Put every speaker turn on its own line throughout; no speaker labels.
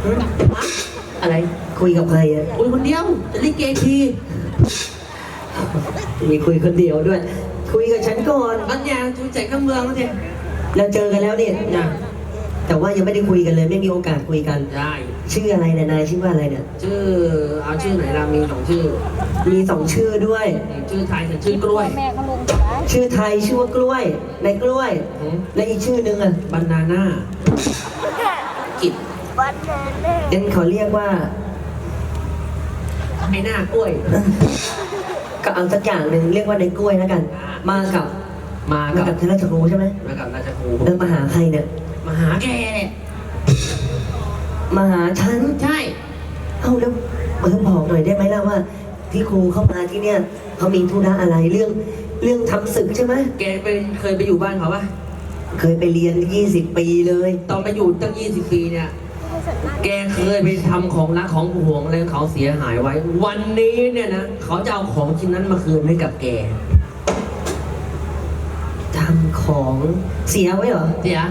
อะไรคุยกับใครอ่ะ
คุยคนเดียวจะลิเกที
มีคุยคนเดียวด้วย คุยกับฉันก่อน
มันยางจูใจข้ามเมืองแล้วเนี่ย
เราเจอกันแล้วเนี่ย
นะ
แต่ว่ายังไม่ได้คุยกันเลยไม่มีโอกาสคุยกัน
ได้
ชื่ออะไรเนี่ยนายชื่อว่าอะไรเนี่ย
ชื่อเอาชื่อไหนล่ะมีสองชื่อ
มีสองชื่อด้วย
ชื่อไทยกับชื่อกล้วย
แม่เขาลงไปได้
ชื่อไทยชื่อว่ากล้วยในกล้วย และอีกชื่อนึงอ่ะ
บานาน่ากิด
เดี๋ยวเขาเรียกว่า
ไอ้หน้ากล้วย
ก็เอาสักอย่างหนึ่งเรียกว่าในกล้วยแล้วกัน มากับ
มา
มา
กั
กั
บบ
ท่านราชครูใช่ไหม
มากับราชครู
เดินมาหาใครเนี่ย
มาหาแกเนี่ย
มาหาฉัน
ใช่
เอ้าแล้วมาบอกหน่อยได้ไหมล่ะว่า ที่ครูเข้ามาที่เนี่ยเขามีธุระอะไรเรื่องทำศึกใช่ไหม
แกเคยไปอยู่บ้านเขาปะ
เคยไปเรียน20 ปีเลย
ตอนไปอยู่ตั้ง20 ปีเนี่ย แกเคยไปทำของรักของห่วงอะไรของเขาเสียหายไว้ วันนี้เนี่ยนะเขาจะเอาของชิ้นนั้นมาคืนให้กับแก
ทำของเสียไว้เหรอ
เสีย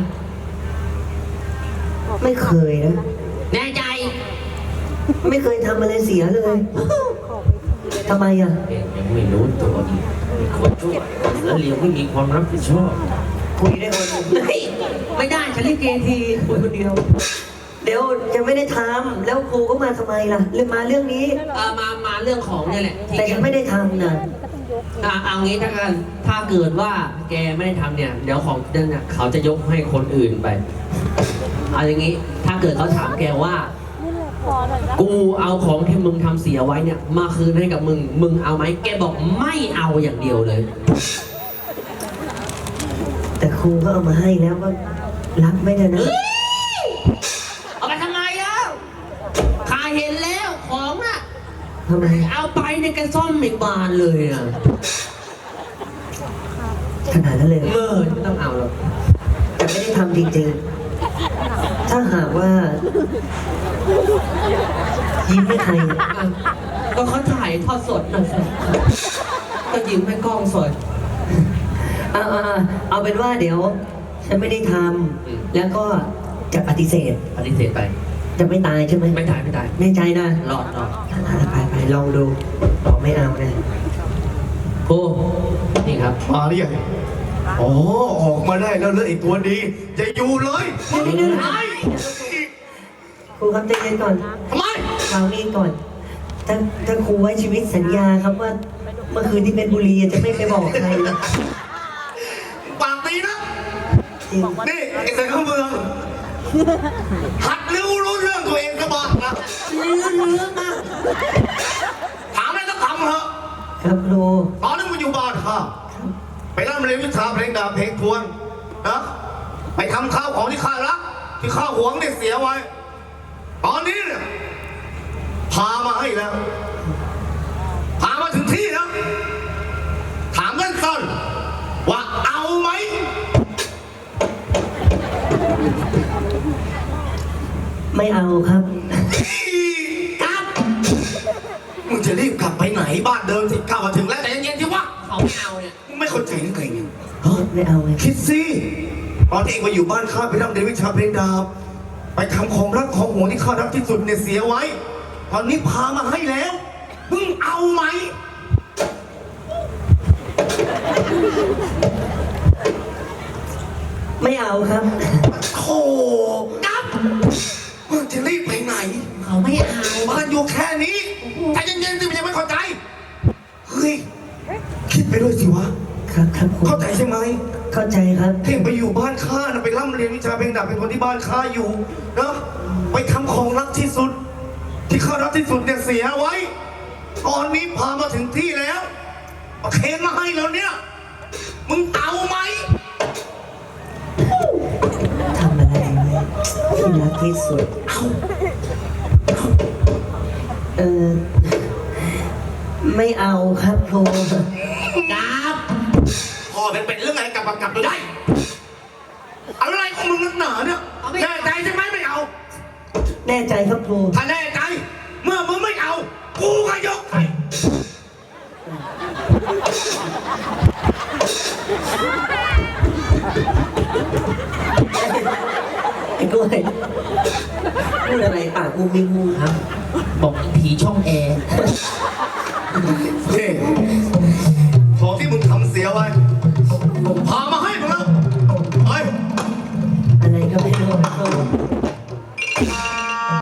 ไม่เคยนะ
แน่ใจ
ไม่เคยทำอะไรเสียเลยทำไมอ่ะ
ยังไม่รู้ตัวอีกมีคนช่วยแล้วเลี้ยงไม่มีความรับผิดชอบ
คุยได้คน
ไม่ได้ฉันเรียกเกทีคุยคนเดียว
เดี๋ยวยังไม่ได้ทำแล้วครูก็มาทำไมล่ะเรื่องมาเรื่องนี้
มาเรื่องของเนี่ยแหละ
แต่ฉันไม่ได้ทำนะ
เอางี้ถ้ากันถ้าเกิดว่าแกไม่ได้ทำเนี่ย เดี๋ยวของนั่นเนี่ยเขาจะยกให้คนอื่นไป เอาอย่างงี้ ถ้าเกิดเขาถามแกว่า กูเอาของที่มึงทำเสียไว้เนี่ย มาคืนให้กับมึง มึงเอาไหมแกบอกไม่เอาอย่างเดียวเลย
แต่ครูก็เอามาให้แล้วก็รับไม่ได้นะ
เอาไปทำไมแล้วข้าเห็นแล้วของน่ะ
ทำไม
เอาไปในกระซ่อมอีกบานเลยอ่ะ
ขนาดนั้นเลย
เมื่อไม่ต้องเอาหรอก
แต่ไม่ได้ทำจริงๆถ้าหากว่า ยิ้มให้ใคร
อ่ะก็เขาถ่ายทอดสดหน่อยสิก็ยิ้มให้กล้องสด
เอาเป็นว่าเดี๋ยว ฉันไม่ได้ทำแล้วก็จะปฏิเสธ
ปฏิเสธไป
จะไม่ตายใช่ไหม
ไม่ตายไม่ตาย
แน่ใจนะ
รอด
ไปลองดูบอกไม่เอานะ
โอ้นี่ครับ
มาหรือยังอ๋อออกมาได้แล้วเลยไอ้ตัวดีจะอยู่เลย
เดี๋ยวครูครับใจเย็นก่อน
ทำไม
ฟังนี่ก่อนถ้าครูไว้ชีวิตสัญญาครับว่าเมื่อคืนที่เพชรบุรีจะไม่ไปบอกใครนะ
ปากดีนะ
จริง
นี่ไอ้แต่ข้าเมืองหัดรู้เรื่องตัวเองก็บอกนะ
เรื่องมาก
ถามอะไรต้องทำเหรอะ
ครับครู
ตอนนั้นมันอยู่บ้านข้าไปร่ำเรียนวิชาเพลงดาบเพลงทวนนะไปทำข้าวของที่ข้ารักที่ข้าหวงเนี่ยเสียไว้ ตอนนี้เนี่ยพามาให้แล้ว พามาถึงที่แล้วถามกันสั้นๆว่าเอาไหม
ไม่เอาครับ
กลับมึงจะรีบกลับไปไหนบ้านเดิมสิข้ามาถึงแล้วแต่เย็นๆที่วะ
เขาไม่เอาเนี่ย
มึงไม่เข้าใจนึกไงเนี่ย
ไม่เอาไง
คิดสิตอนที่เองมาอยู่บ้านข้าไปร่ำเรียนวิชาเพลงดาบไปทำของรักของห่วงที่ข้ารักที่สุดเนี่ยเสียไว้ ตอนนี้พามาให้แล้วมึงเอาไหม
ไม่เอาครับ
โธ่กลับมึงจะรีบไปไหน
เขาไม่เอา
บ้านอยู่แค่นี้ใจเย็นๆสิมันยังไม่เข้าใจเฮ้ยคิดไปด้วยสิวะ
ครับครู
เข้าใจใช่ไหม
เข้าใจครับ
เพ่งไปอยู่บ้านข้านะไปร่ำเรียนวิชาเพลงดาบเป็นคนที่บ้านข้าอยู่นะไปทำของรักที่สุด ที่ข้ารักที่สุดเนี่ยเสียไว้ ตอนนี้พามาถึงที่แล้วเอาเคนมาให้แล้วเนี่ยมึงเอาไหม
ทำอะไรที่รักที่สุดไม่เอาครับครู
กลับพ่อเป็นเรื่องไงกลับดูได้อะไรของมึงนักหนาเนี่ยแน่ใจใช่ไหมไม่เอา
แน่ใจครับครู
ถ้าแน่ใจเมื่อมึงไม่เอากูก็ยกให้
ไอ้กล้วยพูดอะไรปากมุมมิงมุม
ฮะบอกผีช่องแอร์